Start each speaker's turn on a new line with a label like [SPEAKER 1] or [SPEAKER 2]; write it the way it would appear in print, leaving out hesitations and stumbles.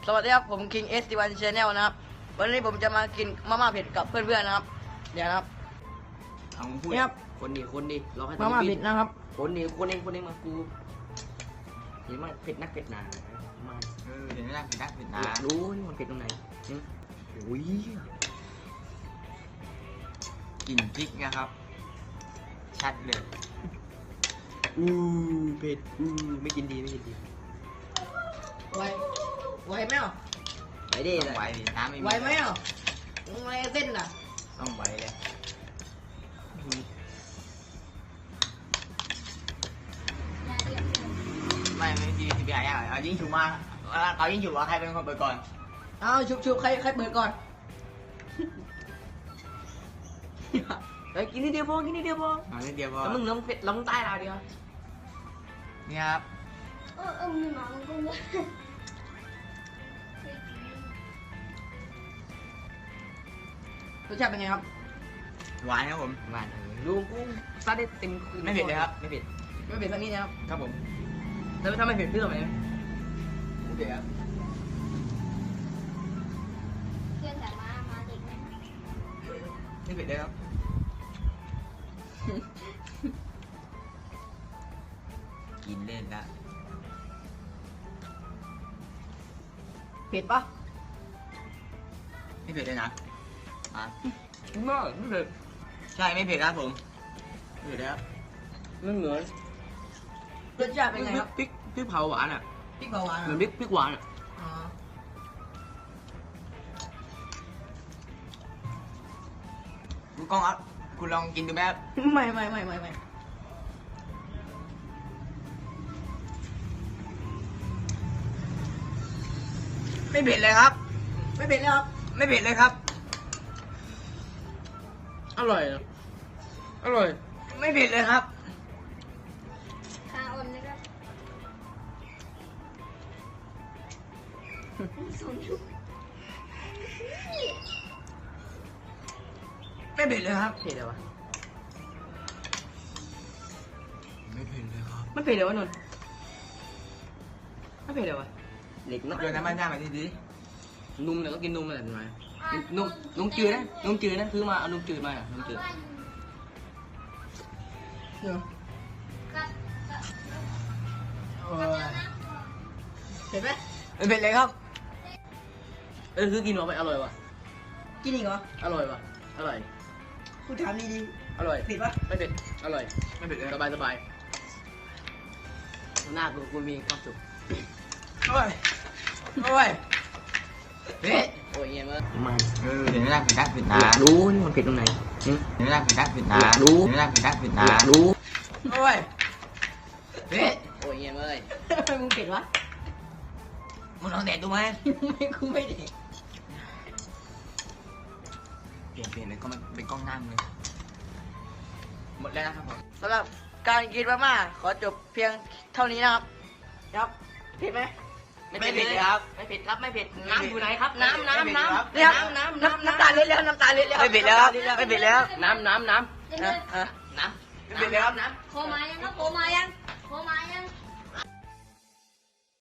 [SPEAKER 1] สวัสดีครับผม King S1 Channel นะครับวันนี้ผมจะมากินมาม่าเผ็ดกับเพื่อนๆนะครับเดี๋ยวนะครับ
[SPEAKER 2] เอามึงพูด
[SPEAKER 1] นี่ครับ
[SPEAKER 2] คนดิรอให้
[SPEAKER 1] มาม่าเผ็ดนะครับ
[SPEAKER 2] คนดิมากูเห็นมันเผ็ดนักเผ็ดหนามา
[SPEAKER 3] เห็นไหมล่ะเผ็ดนักเผ็ดหนา
[SPEAKER 2] อยากรู้นี่มันเผ็ดตรงไหนอุ้ย
[SPEAKER 3] กลิ่นพริกนะครับ ชัดเลย
[SPEAKER 2] เผ็ดไม่กินดี
[SPEAKER 1] ไหวไหมอ่ะ
[SPEAKER 2] ไปดิ
[SPEAKER 3] ต้องไหวดิน้ำไม่มี
[SPEAKER 1] ไหวไหมอ่ะไหวเส้นน่ะ
[SPEAKER 3] ต้องไหวเลยไม่ดีทีพีไอ้เอายิ่งฉุกมาเอายิ่งฉุกว่าใครเป็นคนเปิดก่อน
[SPEAKER 1] เอาชุบใครเปิดก่อน
[SPEAKER 2] ไปกินนิดเดียวพอ
[SPEAKER 3] เอานิดเดียวพอ
[SPEAKER 2] แล้วมึงน้ำเผ็ดล้ำใต้เราดีวะ
[SPEAKER 3] นี่ครับ
[SPEAKER 1] รสชาติเป็นไงครับ
[SPEAKER 3] หวานครับผม
[SPEAKER 2] หวานลุงกูซัดได้เต็ม
[SPEAKER 3] ไม่เผ็ดเลยครับไม่เผ็ด
[SPEAKER 1] ไม่เผ็ดสักนิดนะครับ
[SPEAKER 3] ครับผม
[SPEAKER 1] แล้วถ้าไม่เผ็ดพี่ทำไม
[SPEAKER 3] ไม่เผ็ดครับ
[SPEAKER 4] เพื่อนแต่มาเด็กไหม
[SPEAKER 3] ไม่เผ็ดเลยครับกินเล่นละ
[SPEAKER 1] เผ็ดปะ
[SPEAKER 3] ไม่เผ็ดเลยนะอ่ะ
[SPEAKER 2] ไม่เผ็ด
[SPEAKER 3] ใช่ไม่เผ็ดครับผมไม่เผ็ดเลยครับ
[SPEAKER 2] ไม่เหมือน
[SPEAKER 1] รสชาติเป็นไงครับ
[SPEAKER 2] พริกเผาหวานอ่ะ
[SPEAKER 1] พริกเผาหวาน
[SPEAKER 2] เหมือนพริกหวานอ่ะ
[SPEAKER 1] อ๋อ
[SPEAKER 3] คุณกล้องครับคุณลองกินดูไหมครับ
[SPEAKER 1] ไม่
[SPEAKER 3] ไม่เผ็ดเลยครับ
[SPEAKER 1] ไม่เผ็ดแล้วครับ
[SPEAKER 3] ไม่เผ็ดเลยครับ
[SPEAKER 2] อร่อยอ่ะอร่อย
[SPEAKER 3] ไม่เผ็ดเลยครับ
[SPEAKER 4] คาออนนะครับสมยุ
[SPEAKER 3] ไม่เผ็ดเลยครับ
[SPEAKER 2] เผ็ดเลยวะ
[SPEAKER 3] ไม่เผ็ดเลยครับ
[SPEAKER 2] ไม่เผ็ดเลยวะนนท์ไม่เผ็ดเลยวะเด็กน้อย
[SPEAKER 3] โยนน้ำมันย่างมาทีดี
[SPEAKER 2] นุ่มเนี่ยก็กินนุ่มเลยเห็นไหมนุ่มจืดนะซื้อมาเอานุ่มจืดมานุ่มจืด
[SPEAKER 1] เดี๋ยว
[SPEAKER 4] กับ
[SPEAKER 1] โอ้ยเผ็ดไหม
[SPEAKER 3] ไม่เผ็ดเลยครับ
[SPEAKER 2] คือกินมาไปอร่อยวะ
[SPEAKER 1] กินอีกเหรอ
[SPEAKER 2] อร่อยวะอร่อย
[SPEAKER 1] กูถามดี
[SPEAKER 2] อร่อย
[SPEAKER 1] ๆเผ็ดปะ
[SPEAKER 2] ไม่เผ็ดอร่อย
[SPEAKER 3] ไม่เผ็ดเลย
[SPEAKER 2] สบายหน้ากูมีความสุข
[SPEAKER 3] โอ้ยโอ้ยเผ็ด
[SPEAKER 2] โอ้ยเงี้ยมัน
[SPEAKER 3] เห็นไหมล่ะเผ็ดนักเผ็ดหนา
[SPEAKER 2] อยากรู้นี่มันเผ็ดตรงไหน
[SPEAKER 3] เห็นไหมล่ะเผ็ดนักเผ็ดหนา
[SPEAKER 2] อยากรู้
[SPEAKER 3] เห็นไหมล่ะเผ็ดนักเผ็ดหนา
[SPEAKER 2] อยากรู้
[SPEAKER 3] โอ้ยเผ็ด
[SPEAKER 2] โอ้ยเงี้ยเลย
[SPEAKER 1] ทำไมมึงเผ็ดวะ
[SPEAKER 3] มึงลองแดกดูไหม
[SPEAKER 1] กูไม่เด็ก
[SPEAKER 3] เปลี่ยนเลยก็มันเป็นกล้องหน้ามึงเลยหมดแล้วนะครับผม
[SPEAKER 1] สำหรับการกินมาม่าขอจบเพียงเท่านี้นะครับครับเผ็ดไหม
[SPEAKER 2] ไม่เผ็ดครับไม่เผ็ดน้ำอยู่ไหนครับน้ำ
[SPEAKER 1] เนี่ยครับน้ำตาเล็ดแล้วน้ำตาเล็ดแล้ว
[SPEAKER 3] ไม่เผ็ดแล้วครับไม่เผ็ดแล้ว
[SPEAKER 2] น้ำ
[SPEAKER 4] เดี๋ยว
[SPEAKER 1] อ่ะ
[SPEAKER 3] ไม่เผ็ดแล้วครับ
[SPEAKER 4] โคมายังครับโคมายัง